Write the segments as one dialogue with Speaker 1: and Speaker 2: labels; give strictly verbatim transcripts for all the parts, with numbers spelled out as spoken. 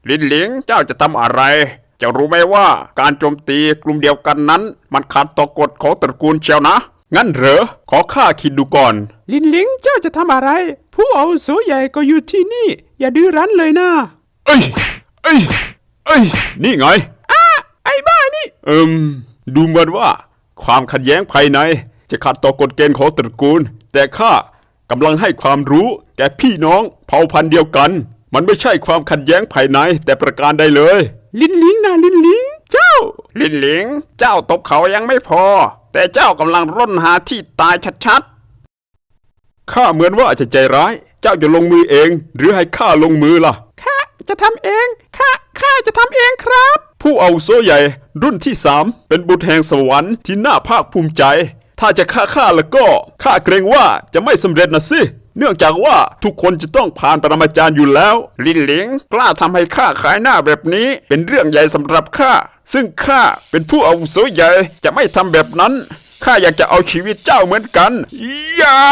Speaker 1: ลินหลิงเจ้าจะทำอะไรเจ้ารู้ไหมว่าการโจมตีกลุ่มเดียวกันนั้นมันขัดต่อกฎของตระกูลเชียวนะงั้นเหรอขอข้าคิดดูก่อน
Speaker 2: ลินหลิงเจ้าจะทำอะไรผู้อาวุโสใหญ่ก็อยู่ที่นี่อย่าดื้อรั้นเลยนะ
Speaker 1: เอ้ยเอ้ยเอ้ยนี่ไง
Speaker 2: อ้าไอ้บ้านี่
Speaker 1: เอิมดูเหมือนว่าความขัดแย้งภายในจะขัดต่อกฎเกณฑ์ของตระกูลแต่ข้ากำลังให้ความรู้แก่พี่น้องเผ่าพันธุ์เดียวกันมันไม่ใช่ความขัดแย้งภายในแต่ประการใดเลย
Speaker 2: ลินหลิงนะลินหลิงเจ้า
Speaker 1: ลินหลิงเจ้าตบเขายังไม่พอแต่เจ้ากำลังร่นหาที่ตายชัดๆข้าเหมือนว่าจะใจร้ายเจ้าจะลงมือเองหรือให้ข้าลงมือล่ะ
Speaker 2: ข้าจะทำเองข้าข้าจะทำเองครับ
Speaker 1: ผู้อาวุโสใหญ่รุ่นที่สามเป็นบุตรแห่งสวรรค์ที่น่าภาคภูมิใจถ้าจะฆ่าข้าแล้วก็ข้าเกรงว่าจะไม่สำเร็จนะสิเนื่องจากว่าทุกคนจะต้องผ่านปรมาจารย์อยู่แล้วลินหลิงกล้าทำให้ข้าขายหน้าแบบนี้เป็นเรื่องใหญ่สำหรับข้าซึ่งข้าเป็นผู้อาวุโสใหญ่จะไม่ทำแบบนั้นข้าอยากจะเอาชีวิตเจ้าเหมือนกันอย่า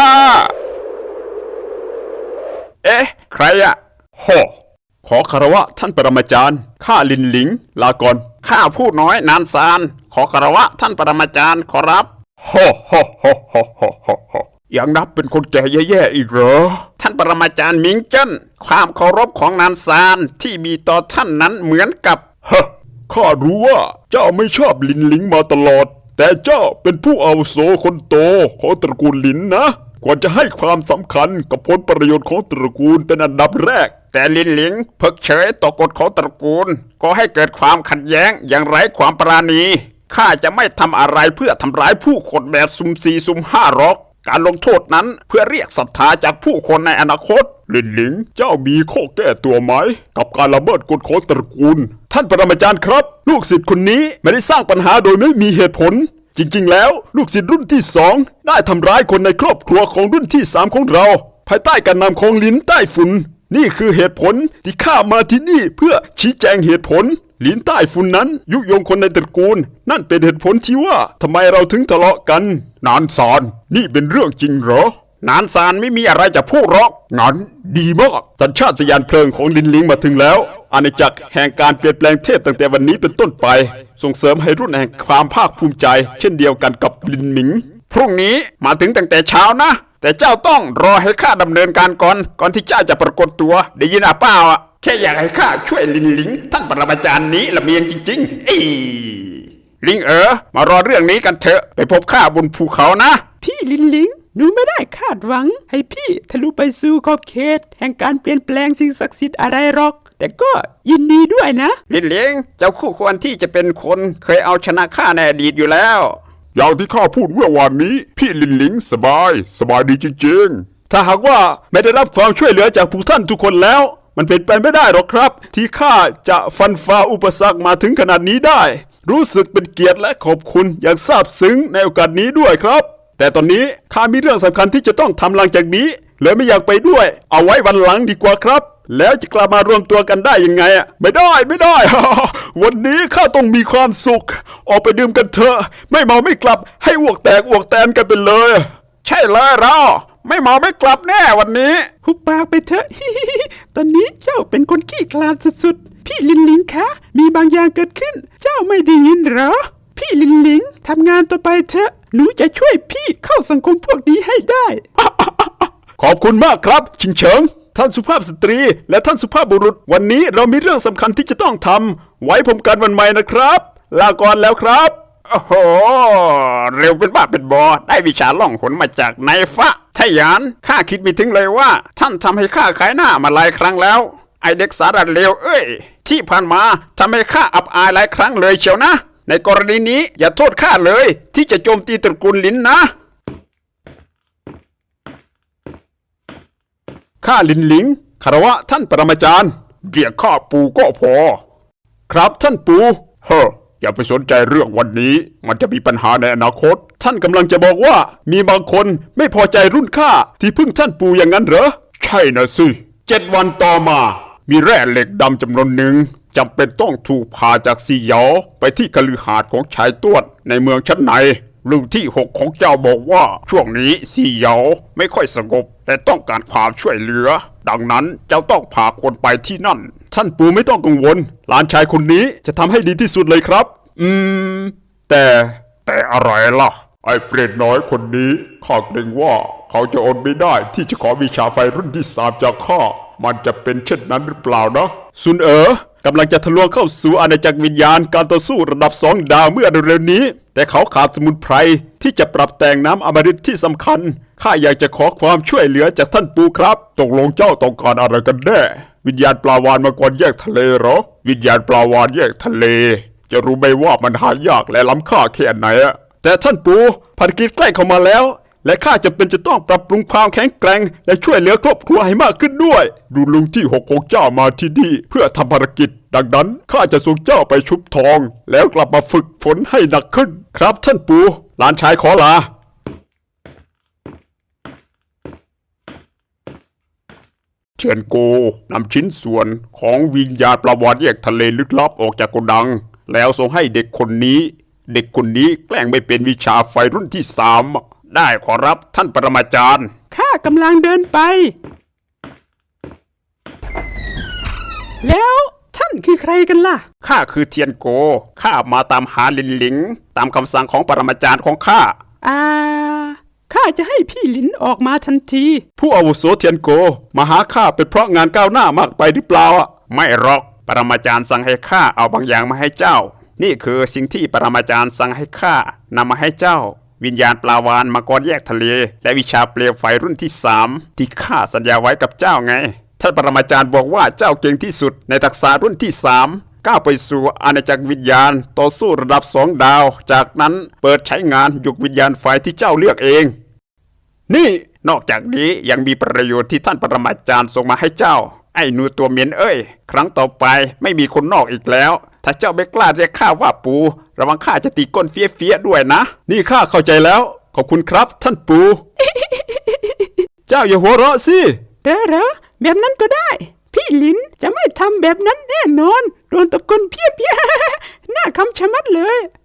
Speaker 1: เอ๊ะใครอะโหขอคารวะท่านปรมาจารย์ข้าลินหลิงลาก่อนข้าผู้น้อยนานซานขอคารวะท่านปรมาจารย์ขอรับโฮโฮโฮโฮโฮโฮโฮยังนับเป็นคนแก่แย่ๆอีกเหรอท่านปรมาจารย์มิงเจิ้นความเคารพของนานซานที่มีต่อท่านนั้นเหมือนกับเฮ้ข้ารู้ว่าเจ้าไม่ชอบลินหลิงมาตลอดแต่เจ้าเป็นผู้อาวุโสคนโตของตระกูลลินนะควรจะให้ความสำคัญกับผลประโยชน์ของตระกูลเป็นอันดับแรกแต่ลินหลิงเพิกเฉยต่อกฎของตระกูลก็ให้เกิดความขัดแย้งอย่างไร้ความปราณีข้าจะไม่ทำอะไรเพื่อทำร้ายผู้คนแบบซุ่มสี่ซุ่มห้าหรอกการลงโทษนั้นเพื่อเรียกศรัทธาจากผู้คนในอนาคตลินหลิงเจ้ามีข้อแก้ตัวไหมกับการละเมิดกฎของตระกูลท่านปรมาจารย์ครับลูกศิษย์คนนี้ไม่ได้สร้างปัญหาโดยไม่มีเหตุผลจริงๆแล้วลูกศิษย์รุ่นที่สองได้ทำร้ายคนในครอบครัวของรุ่นที่สามของเราภายใต้การนำของลินใต้ฝุ่นนี่คือเหตุผลที่ข้ามาที่นี่เพื่อชี้แจงเหตุผลลินใต้ฝุ่นนั้นยุยงคนในตระกูลนั่นเป็นเหตุผลที่ว่าทำไมเราถึงทะเลาะกันนานซานนี่เป็นเรื่องจริงเหรอนานซานไม่มีอะไรจะพูดหรอกงั้นดีมากสัญชาตญาณเพลิงของลินหลิงมาถึงแล้วอาณาจักรแห่งการเปลี่ยนแปลงเทพตั้งแต่วันนี้เป็นต้นไปส่งเสริมให้รุ่นแห่งความภาคภูมิใจเช่นเดียวกันกับลินหมิงพรุ่งนี้มาถึงตั้งแต่เช้านะแต่เจ้าต้องรอให้ข้าดำเนินการก่อนก่อนที่เจ้าจะปรากฏตัวได้ยินอ่ะเปล่าอ่ะแค่อยากให้ข้าช่วยลินหลิงท่านปรมาจารย์นี้ละเมียงจริงๆอีลิงเอ๋อมารอเรื่องนี้กันเถอะไปพบข้าบนภูเขานะ
Speaker 2: พี่ลินหลิงหนูไม่ได้คาดหวังให้พี่ทะลุไปสู่ขอบเขตแห่งการเปลี่ยนแปลงสิ่งศักดิ์สิทธิ์อะไรหรอกแต่ก็ยินดีด้วยนะ
Speaker 1: ลินหลิงเจ้าคู่ควรที่จะเป็นคนเคยเอาชนะข้าในอดีตอยู่แล้ว
Speaker 3: อย่างที่ข้าพูดเมื่อวานนี้พี่ลินหลิงสบายสบายดีจริง
Speaker 1: ๆถ้าหากว่าไม่ได้รับความช่วยเหลือจากผู้ท่านทุกคนแล้วมันเป็นไปไม่ได้หรอกครับที่ข้าจะฟันฝ่าอุปสรรคมาถึงขนาดนี้ได้รู้สึกเป็นเกียรติและขอบคุณอย่างซาบซึ้งในโอกาสนี้ด้วยครับแต่ตอนนี้ข้ามีเรื่องสำคัญที่จะต้องทำหลังจากนี้เลยไม่อยากไปด้วยเอาไว้วันหลังดีกว่าครับแล้วจะกลับมารวมตัวกันได้ยังไงอ่ะไม่ได้ไม่ได้ วันนี้ข้าต้องมีความสุขออกไปดื่มกันเถอะไม่เมาไม่กลับให้อ้วกแตกอ้วกแตนกันไปเลยใช่เลยเราไม่เมาไม่กลับแน่วันนี้
Speaker 2: หุบปากไปเถอะ ตอนนี้เจ้าเป็นคนขี้คลาดสุดๆพี่ลินหลิงคะมีบางอย่างเกิดขึ้นเจ้าไม่ได้ยินเหรอพี่ลินหลิงทำงานต่อไปเถอะหนูจะช่วยพี่เข้าสังคมพวกนี้ให้ได้
Speaker 1: ขอบคุณมากครับชิงเฉิงท่านสุภาพสตรีและท่านสุภาพบุรุษวันนี้เรามีเรื่องสำคัญที่จะต้องทำไว้ผมกันวันใหม่นะครับลาก่อนแล้วครับโอ้โหเร็วเป็นบ้าเป็นบอได้วิชาล่องหนมาจากนายฟ้าทะยานข้าคิดไม่ถึงเลยว่าท่านทำให้ข้าขายหน้ามาหลายครั้งแล้วไอเด็กสาระเลวเอ้ยที่ผ่านมาทำให้ข้าอับอายหลายครั้งเลยเชียวนะในกรณีนี้อย่าโทษข้าเลยที่จะโจมตีตระกูลลินนะข้าลินหลิงคารวะท่านปรมาจารย์เรียกข้าปูก็พอครับท่านปูเฮ้ออย่าไปสนใจเรื่องวันนี้มันจะมีปัญหาในอนาคตท่านกำลังจะบอกว่ามีบางคนไม่พอใจรุ่นข้าที่พึ่งท่านปูอย่างนั้นเหรอใช่นะสิเจ็ดวันต่อมามีแร่เหล็กดำจำนวนหนึ่งจำเป็นต้องถูกพาจากซีเหยาไปที่คฤหาสน์ของชายต้วนในเมืองชั้นในลุงที่หกของเจ้าบอกว่าช่วงนี้สี่เหยาไม่ค่อยสงบแต่ต้องการความช่วยเหลือดังนั้นเจ้าต้องพาคนไปที่นั่นท่านปู่ไม่ต้องกังวลหลานชายคนนี้จะทำให้ดีที่สุดเลยครับอืมแต่แต่อะไรล่ะไอ้เปรตน้อยคนนี้ข้าเกรงว่าเขาจะอดไม่ได้ที่จะขอวิชาไฟรุ่นที่สามจากข้ามันจะเป็นเช่นนั้นหรือเปล่านะซุนเอ๋อกำลังจะทะลวงเข้าสู่อาณาจักรวิญญาณการต่อสู้ระดับสองดาวเมื่อเร็วๆนี้แต่เขาขาดสมุนไพรที่จะปรับแต่งน้ำอมฤตที่สำคัญข้าอยากจะขอความช่วยเหลือจากท่านปู่ครับตกลงเจ้าต้องการอะไรกันแน่วิญญาณปลาวาฬมังกรแยกทะเลเหรอวิญญาณปลาวาฬแยกทะเลจะรู้ไหมว่ามันหายากและล้ำค่าแค่ไหนอะแต่ท่านปู่ภารกิจใกล้เข้ามาแล้วและข้าจะเป็นจะต้องปรับปรุงความแข็งแกร่งและช่วยเหลือครอบครัวให้มากขึ้นด้วยดูลุงที่หกของเจ้ามาที่นี่เพื่อทำภารกิจดังนั้นข้าจะส่งเจ้าไปชุบทองแล้วกลับมาฝึกฝนให้หนักขึ้นครับท่านปู่หลานชายขอลาเทียนโกนำชิ้นส่วนของวิญญาณปลาวาฬแยกทะเลลึกลับออกจากโกดังแล้วส่งให้เด็กคนนี้เด็กคนนี้แกล้งไม่เป็นวิชาไฟรุ่นที่สามได้ขอรับท่านปรมาจารย์
Speaker 2: ข้ากำลังเดินไปแล้วท่านคือใครกันล่ะ
Speaker 1: ข้าคือเทียนโกข้ามาตามหาลินหลิงตามคำสั่งของปรมาจารย์ของข้า
Speaker 2: อ่าข้าจะให้พี่หลินออกมาทันที
Speaker 1: ผู้อาวุโสเทียนโกมาหาข้าเป็นเพราะงานก้าวหน้ามากไปหรือเปล่าไม่หรอกปรมาจารย์สั่งให้ข้าเอาบางอย่างมาให้เจ้านี่คือสิ่งที่ปรมาจารย์สั่งให้ข้านำมาให้เจ้าวิญญาณปลาวาฬมังกรแยกทะเลและวิชาเปลวไฟรุ่นที่สามที่ข้าสัญญาไว้กับเจ้าไงท่านปรมาจารย์บอกว่าเจ้าเก่งที่สุดในทักษะรุ่นที่สามก้าวไปสู่อาณาจักรวิญญาณต่อสู้ระดับสองดาวจากนั้นเปิดใช้งานยุควิญญาณไฟที่เจ้าเลือกเองนี่นอกจากนี้ยังมีประโยชน์ที่ท่านปรมาจารย์ส่งมาให้เจ้าไอ้หนูตัวเหม็นเอ้ยครั้งต่อไปไม่มีคนนอกอีกแล้วถ้าเจ้าไม่กล้าเรียกข้าว่าปู่ระวังข้าจะตีก้นเฟี้ยๆด้วยนะนี่ข้าเข้าใจแล้วขอบคุณครับท่านปู่ เจ้าอย่าหัวเราะสิ
Speaker 2: เด้อเหรอแบบนั้นก็ได้พี่หลินจะไม่ทำแบบนั้นแน่นอนโดนตะกนเพี้ยๆ น่าคำชะมัดเลย